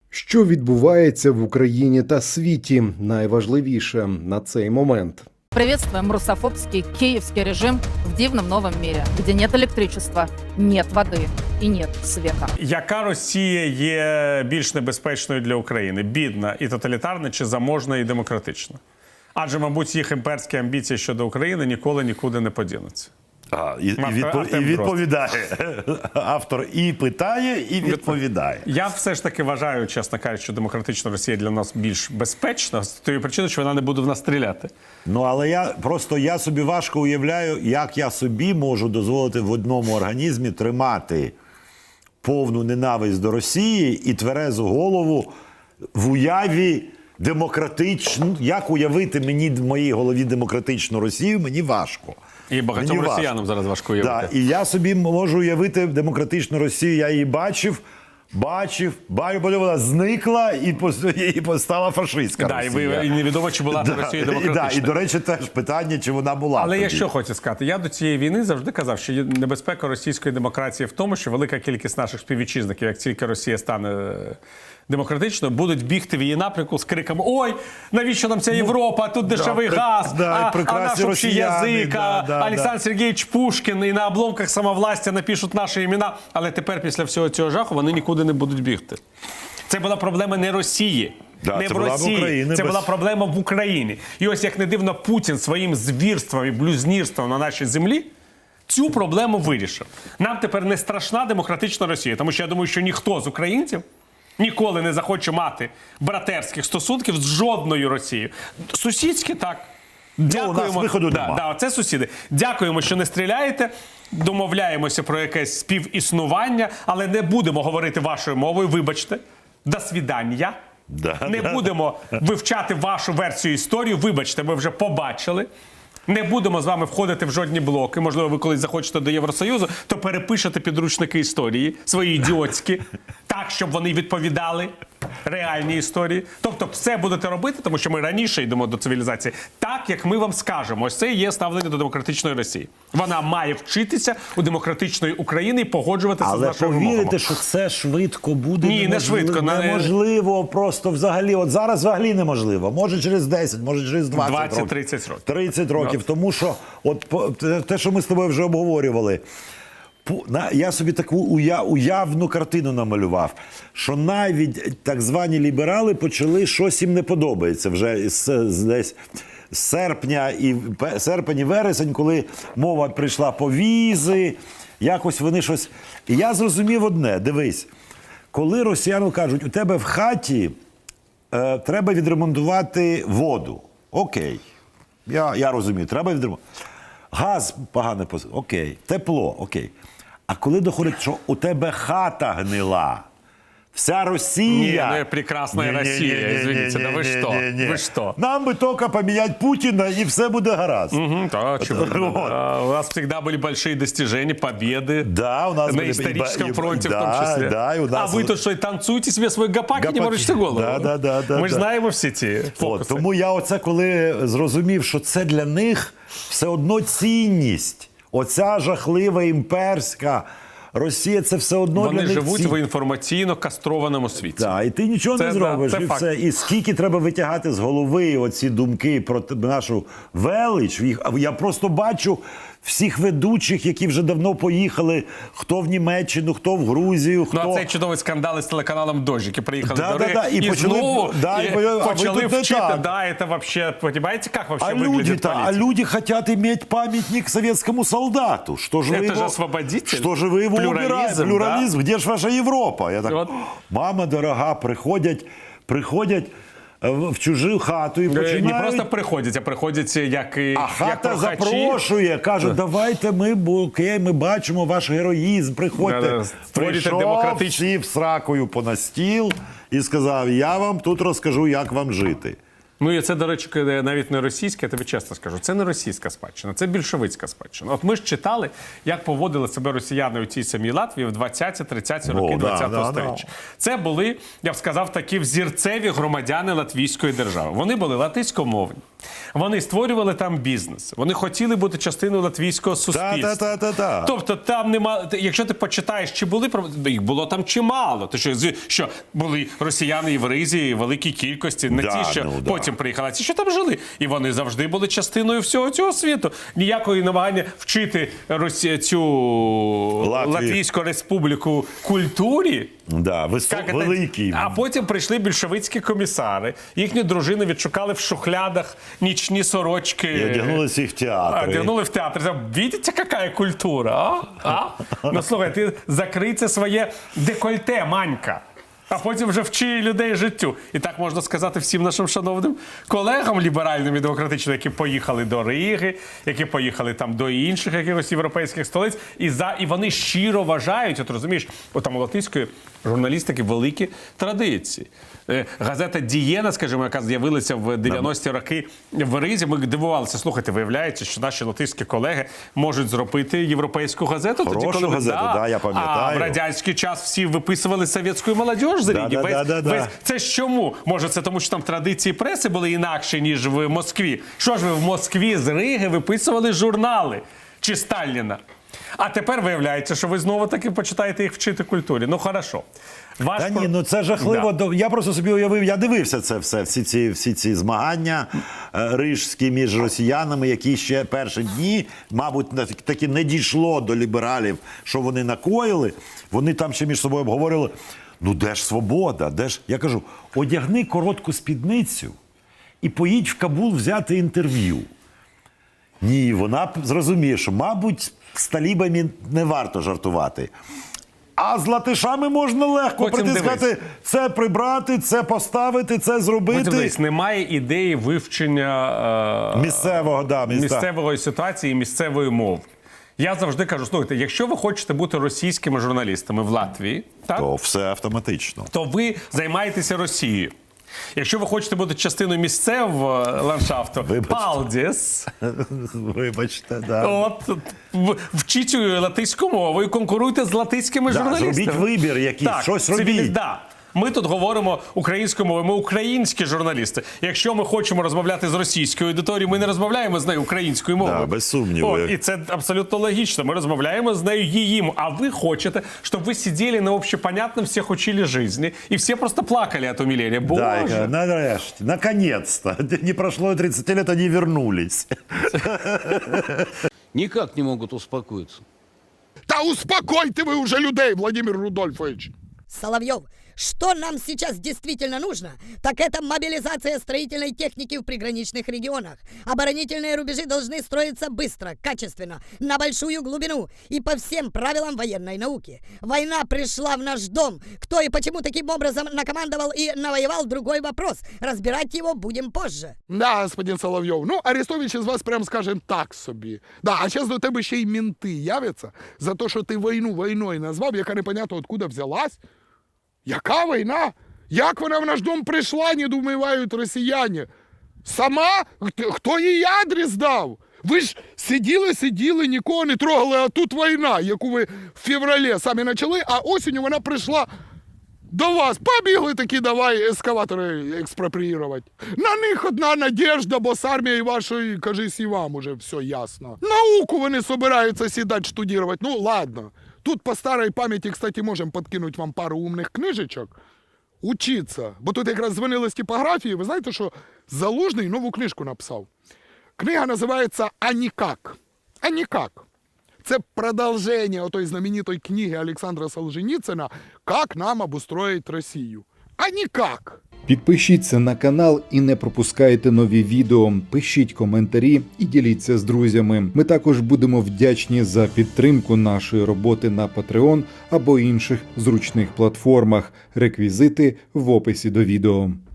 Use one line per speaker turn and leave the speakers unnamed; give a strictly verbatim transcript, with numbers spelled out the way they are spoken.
Що відбувається в Україні та світі? Найважливіше на цей момент.
Приветствуем русофобский киевский режим в дивном новом мире, где нет электричества, нет воды и нет света.
Яка Росія є більш небезпечною для України? Бідна і тоталітарна чи заможна і демократична? Адже, мабуть, їх імперські амбіції щодо України ніколи нікуди не подінуться.
А, і, і, відпо, і відповідає. Автор і питає, і відповідає.
Я все ж таки вважаю, чесно кажучи, що демократична Росія для нас більш безпечна, з тієї причини, що вона не буде в нас стріляти.
Ну, але я просто я собі важко уявляю, як я собі можу дозволити в одному організмі тримати повну ненависть до Росії і тверезу голову в уяві демократичну. Як уявити мені в моїй голові демократичну Росію, мені важко.
І багатьом
Мені
росіянам
важко.
зараз важко уявити.
Да, і я собі можу уявити демократичну Росію, я її бачив, бачив, бачив, потім вона зникла і, і постала фашистська
Да,
Росія.
і, ви, і невідомо, чи була
Да,
Росія
і,
демократична.
да, і, до речі, теж питання, чи вона була
Але
тоді.
я що хочу сказати? Я до цієї війни завжди казав, що є небезпека російської демократії в тому, що велика кількість наших співвітчизників, як тільки Росія стане демократичною, будуть бігти в її напрямку з криками: «Ой, навіщо нам ця Європа, тут дешевий
да,
газ,
да,
а, а
прекрасні
наш общий
росіяни,
язик,
да, да,
а Олександр
да.
Сергійович Пушкін, і на обломках самовластя напишуть наші імена». Але тепер, після всього цього жаху, вони нікуди не будуть бігти. Це була проблема не Росії.
Да,
не
це
в
була
Росії,
в Україні,
це
без...
була проблема в Україні. І ось як не дивно, Путін своїм звірством і блюзнірством на нашій землі цю проблему вирішив. Нам тепер не страшна демократична Росія, тому що я думаю, що ніхто з українців ніколи не захоче мати братерських стосунків з жодною Росією. Сусідські, так. Дякуємо.
Ну, у нас виходу
да,
нема.
да, це сусіди. Дякуємо, що не стріляєте. Домовляємося про якесь співіснування, але не будемо говорити вашою мовою. Вибачте. До свідання.
Да,
не
да.
будемо вивчати вашу версію історії. Вибачте, ми вже побачили. Не будемо з вами входити в жодні блоки. Можливо, ви колись захочете до Євросоюзу, то перепишете підручники історії, свої ідіотські, так, щоб вони відповідали реальній історії. Тобто все будете робити, тому що ми раніше йдемо до цивілізації, так, як ми вам скажемо. Ось це і є ставлення до демократичної Росії. Вона має вчитися у демократичної України і погоджуватися
Але
з нашими вимогами.
повірите, що це швидко буде?
Ні, не
неможливо,
швидко. Не-
Неможливо просто взагалі. От зараз взагалі неможливо. Може через десять, може через двадцять років.
двадцять-тридцять років.
тридцять років. Тому що от по- те, те, що ми з тобою вже обговорювали, Пу- на- я собі таку уя- уявну картину намалював, що навіть так звані ліберали почали, щось їм не подобається вже з, з десь з серпня і пе- серпень і вересень, коли мова прийшла по візи, якось вони щось. І я зрозумів одне: дивись, коли росіяни кажуть, у тебе в хаті е, треба відремонтувати воду. Окей. Я, я розумію, треба відремонтувати. Газ погано, пос- окей. Тепло, окей. А коли доходить, що у тебе хата гнила, вся Росія...
Ні, ну, прекрасна
Ні, ні,
Росія,
ні, ні,
извините,
ні,
да ви
ні,
що?
ні, ні.
Ви що?
Нам би тільки поміняти Путіна, і все буде гаразд.
Мгм, да, чего?
Вот.
Да, у нас всегда были большие достижения, победы.
Да, у нас
на
были-
историческом
и- и-
фронте
да,
в том числе.
да, и у нас-
А вы тут что, танцуете себе свой гопак и не
Гопаки.
морочите голову?
Да, да, да, да,
Мы же
да.
знаем все ті
От,
фокуси.
тому я оце, коли зрозумів, що це для них все одно цінність. Оця жахлива імперська Росія, це все одно
Вони
для них
живуть
цінність.
в інформаційно кастрованому світі.
Так, і ти нічого
Це,
не
да,
зробиш.
це
і,
факт.
все. І скільки треба витягати з голови оці думки про те- нашу велич. Їх- Я просто бачу всіх ведучих, які вже давно поїхали, хто в Німеччину, хто в Грузію, хто...
Ну, а цей чудовий скандал із телеканалом «Дождь», які приїхали
Да,
до
да,
Риги,
да, і
і,
почали-
знову
да,
і
і почали- а ви
почали
тут не
вчити.
так.
Да, це вообще, понимаете, как вообще
А
выглядит
люди-то, а
политика?
люди хотят иметь памятник советскому солдату. Что же вы
Это
его,
же освободитель.
Что же вы его
Плюрализм,
убираете? Плюрализм. Где же ваша Європа? Я так,
Вот.
мама дорога, приходять, приходять е, в чужу хату і
Е,
починають...
Не просто приходять, а приходять як і
А
як
хата
прохачі.
запрошує, кажуть, давайте ми, бо окей, ми бачимо ваш героїзм, приходьте.
Да-да, створюйте
Прийшов,
демократичну-
сів сракою по на стіл і сказав, я вам тут розкажу, як вам жити.
Ну і це, до речі, навіть не російське, я тобі чесно скажу, це не російська спадщина, це більшовицька спадщина. От ми ж читали, як поводили себе росіяни у тій самій Латвії в двадцяті-тридцяті роки
О, да,
двадцятого
да,
сторіччя. Це були, я б сказав, такі взірцеві громадяни Латвійської держави. Вони були латиськомовні. Вони створювали там бізнес. Вони хотіли бути частиною латвійського суспільства.
Та-та-та-та-та.
Тобто там нема. Якщо ти почитаєш, чи були проблеми, їх було там чимало. То що, з- що були росіяни і в Ризі, в великій кількості, не
Да,
ті, що
ну, да.
потім приїхали, а ті, що там жили. І вони завжди були частиною всього цього світу. Ніякої намагання вчити Росі... цю
Латвію.
Латвійську республіку культурі.
Да, висо...
Як це?
великий.
А потім прийшли більшовицькі комісари. Їхні дружини відшукали в шухлядах нічні сорочки.
І одягнулися їх в
А,
театри.
Одягнули в театр. Видите, яка культура? А? А? Ну, слухай, ти закрий це своє декольте, Манька. А потім вже вчи людей життю. І так можна сказати всім нашим шановним колегам ліберальним і демократичним, які поїхали до Риги, які поїхали там до інших якихось європейських столиць. І, за, і вони щиро вважають, от розумієш, от там у латвійської журналістики великі традиції. Е, Газета «Дієна», скажімо, яка з'явилася в дев'яності роки в Ризі, ми дивувалися, слухайте, виявляється, що наші латвійські колеги можуть зробити європейську газету.
Хорошу
коли ви-
газету, да, я пам'ятаю.
А в радянський час всі виписували совєтську молодіж за
Да,
Риги.
да,
Весь-
да, да, да.
весь- Це ж чому? Може, це тому, що там традиції преси були інакші, ніж в Москві? Що ж ви в Москві з Риги виписували журнали? Чи Сталіна? А тепер виявляється, що ви знову таки почитаєте їх вчити культурі. Ну, хорошо. Ваш
Та
про-
ні, ну це жахливо.
Да.
Я просто собі уявив, я дивився це все, всі ці, всі ці змагання е, рижські між росіянами, які ще перші дні, мабуть, на- таки не дійшло до лібералів, що вони накоїли. Вони там ще між собою обговорили, ну де ж свобода, де ж... Я кажу, одягни коротку спідницю і поїдь в Кабул взяти інтерв'ю. Ні, вона б зрозуміє, що, мабуть, з талібами не варто жартувати. А з латишами можна легко
Потім
прийти і
дивись.
сказати, це прибрати, це поставити, це зробити.
Потім десь немає ідеї вивчення е,
Місцевого, да, міста.
місцевої ситуації і місцевої мови. Я завжди кажу, слухайте, якщо ви хочете бути російськими журналістами в Латвії, так,
То все автоматично.
то ви займаєтеся Росією. Якщо ви хочете бути частиною місцевого ландшафту,
Вибачте.
палдіс,
Вибачте, да.
от, в- вчіть латиську мову і конкуруйте з латиськими
Да,
журналістами.
зробіть вибір якийсь,
так,
щось
цивілі-
робіть.
Да. Ми тут говоримо українською мовою, ми українські журналісти. Якщо ми хочемо розмовляти з російською аудиторією, ми не розмовляємо з нею українською мовою.
Да, без сумніву.
От, і це абсолютно логічно. Ми розмовляємо з нею її мовою. А ви хочете, щоб ви сиділи на общепонятном, всіх учили жизни, і всі просто плакали від умилення. Боже.
Да, я- нарешті, наконец-то. Не прошло и тридцать лет, они вернулись.
Никак не могут успокоиться.
Та успокойте вы уже людей, Владимир Рудольфович.
Соловьев, что нам сейчас действительно нужно, так это мобилизация строительной техники в приграничных регионах. Оборонительные рубежи должны строиться быстро, качественно, на большую глубину и по всем правилам военной науки. Война пришла в наш дом. Кто и почему таким образом накомандовал и навоевал — другой вопрос. Разбирать его будем позже.
Да, господин Соловйов. Ну, Арестович із вас, прям скажем, так собі. Да, а зараз до тебе ще й мінти являться за те, що ти війну війною назвав, яка непонятно откуда взялась. Яка війна? Як вона в наш дом прийшла, недоумевають росіяни? Сама? Хто- Хто їй адрес дав? Ви ж сиділи, сиділи, нікого не трогали, а тут війна, яку ви в февралі самі почали, а осінню вона прийшла до вас. Побігли такі, давай ескаватори експропріювати. На них одна надежда, бо з армією вашою, кажись, і вам уже все ясно. Науку вони собираються сідати штудувати. Ну, ладно. Тут по старій пам'яті, кстати, можемо підкинути вам пару умних книжечок. Учиться. Бо тут якраз дзвонили з типографії. Ви знаєте, що Залужний нову книжку написав. Книга називається «А нікак». «А нікак». Це продовження отої знаменитої книги Олександра Солженіцина «Как нам обустроить Росію». А нікак.
Підпишіться на канал і не пропускайте нові відео. Пишіть коментарі і діліться з друзями. Ми також будемо вдячні за підтримку нашої роботи на Patreon або інших зручних платформах. Реквізити в описі до відео.